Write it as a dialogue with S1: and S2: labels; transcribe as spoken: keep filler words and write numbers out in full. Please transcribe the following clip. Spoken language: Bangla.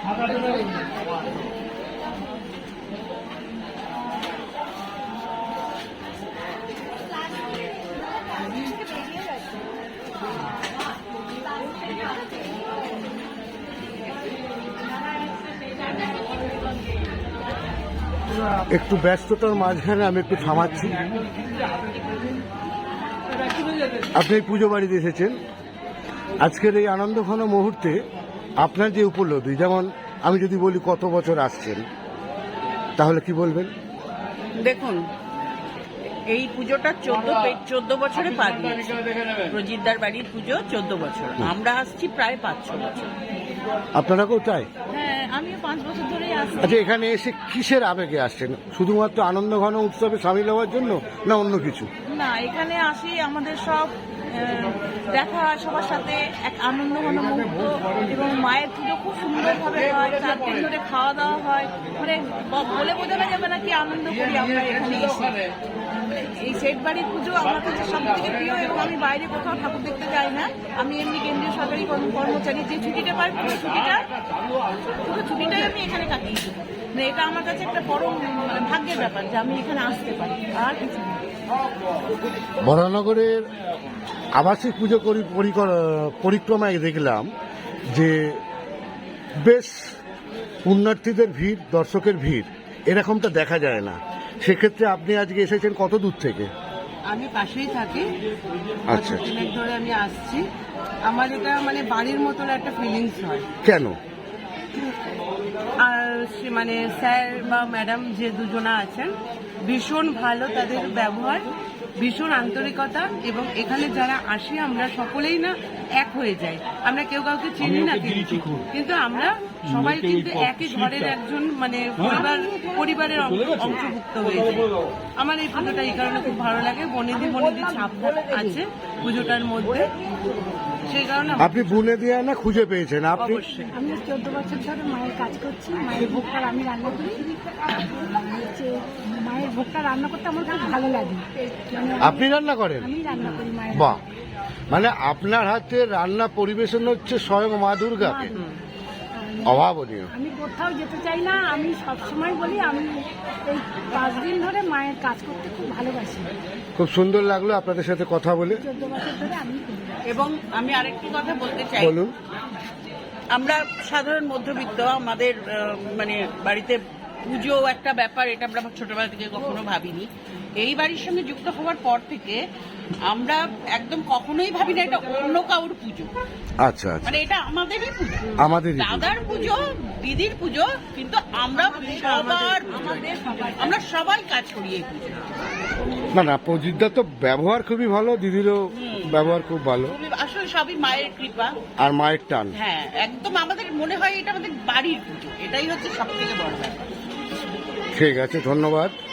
S1: একটু ব্যস্ততার মাঝখানে আমি একটু থামাচ্ছি। আপনি পুজো বাড়িতে এসেছেন, আজকের এই আনন্দঘন মুহূর্তে আপনার যে উপলব্ধি, যেমন আমি যদি বলি কত বছর আসছেন, তাহলে কি বলবেন?
S2: দেখুন, এই পুজোটা চোদ্দ চোদ্দ বছরে পা দিয়েছে। প্রজিতদার বাড়ির পুজো চোদ্দ বছর, আমরা আসছি প্রায় পাঁচ ছ বছর।
S1: আপনারা কেউ তাই?
S2: হ্যাঁ, আমিও পাঁচ বছর ধরেই আসছি।
S1: আচ্ছা, এখানে এসে কিসের আবেগে আসছেন? শুধুমাত্র আনন্দঘন উৎসবে সামিল হওয়ার জন্য, না অন্য কিছু?
S2: না, এখানে আসি আমাদের সব দেখা হয় সবার সাথে, এক আনন্দঘন মুহূর্ত, এবং মায়ের পুজো খুব সুন্দরভাবে হয়, চার দিন ধরে খাওয়া দাওয়া হয়, মানে বলে বোঝানো যাবে না কি আনন্দ করি আমরা এখানে এসে। এই সেট বাড়ির পুজো আমার কাছে সব থেকে প্রিয়, এবং আমি বাইরে কোথাও ঠাকুর দেখতে যাই না। আমি এমনি কেন্দ্রীয় সরকারি কর্মচারী, যে ছুটিটা পাই পুরো ছুটিটা পুরো ছুটিটাই আমি এখানে কাটিয়েছি। মানে এটা আমার কাছে একটা বড় মানে ভাগ্যের ব্যাপার যে আমি এখানে আসতে পারি, আর কিছু না।
S1: বরানগরের আবাসিক পুজো পরিক্রমায় দেখলাম যে বেশ পুণ্যার্থীদের ভিড়, দর্শকের ভিড় এরকমটা দেখা যায় না। সেক্ষেত্রে আপনি আজকে এসেছেন কত দূর থেকে?
S3: আমি পাশেই থাকি,
S1: আচ্ছা,
S3: দিনের ধরে আমি আসছি। আমার এটা মানে বাড়ির মতন একটা ফিলিংস হয়।
S1: কেন?
S3: আর মানে স্যার বা ম্যাডাম যে দুজনা আছেন, ভীষণ ভালো তাদের ব্যবহার, ভীষণ আন্তরিকতা, এবং এখানে যারা আসি আমরা সকলেই না এক হয়ে যাই। আমরা কেউ কাউকে চিনি না, কিন্তু কিন্তু আমরা সবাই কিন্তু একই ঘরের একজন মানে পরিবার পরিবারের অংশভুক্ত হয়ে যাই। আমার এই পুজোটা এই কারণে খুব ভালো লাগে, বনেদি বনেদি ছাপ আছে পুজোটার মধ্যে, সেই কারণে।
S1: আপনি বুনে দিয়ে না খুঁজে পেয়েছেন? আপনি?
S4: আমি চোদ্দ বছর ধরে মায়ের কাজ করছি, মায়ের ভোগটা আমি রান্না করি। মায়ের ভোগটা রান্না করতে আমার খুব ভালো লাগে।
S1: আপনি রান্না করেন?
S4: আমি রান্না করি মায়ের।
S1: বাহ, মানে আপনার হাতে রান্না পরিবেশন হচ্ছে স্বয়ং মা দুর্গাকে, অভাবনীয়।
S4: আমি কোথাও যেতে চাই না, আমি সবসময় বলি আমি এই পাঁচ দিন ধরে মায়ের কাজ করতে খুব ভালোবাসি।
S1: খুব সুন্দর লাগলো আপনাদের সাথে কথা বলে।
S4: চোদ্দ বছর ধরে আমি করি।
S2: এবং আমি আরেকটি কথা বলতে চাই,
S1: বলুন।
S2: আমরা সাধারণ মধ্যবিত্ত, আমাদের মানে বাড়িতে পুজো একটা ব্যাপার, এটা আমরা ছোটবেলা থেকে কখনো ভাবিনি। এই বাড়ির সঙ্গে যুক্ত হওয়ার পর থেকে আমরা একদম কখনোই ভাবি না এটা অন্য কাউর পুজো।
S1: আচ্ছা আচ্ছা,
S2: মানে এটা আমাদেরই পুজো,
S1: আমাদেরই
S2: দাদার পুজো, দিদির পুজো, কিন্তু আমরা সবার আমরা সবাই কাজ করি এই পুজো।
S1: না না, প্রজিতদা তো ব্যবহার খুবই ভালো, দিদিরও ব্যবহার খুব ভালো,
S2: আসলে সবই মায়ের কৃপা
S1: আর মায়ের টান।
S2: হ্যাঁ, একদম আমাদের মনে হয় এটা আমাদের বাড়ির পুজো, এটাই হচ্ছে সব থেকে বড় ব্যাপার।
S1: ঠিক আছে, ধন্যবাদ।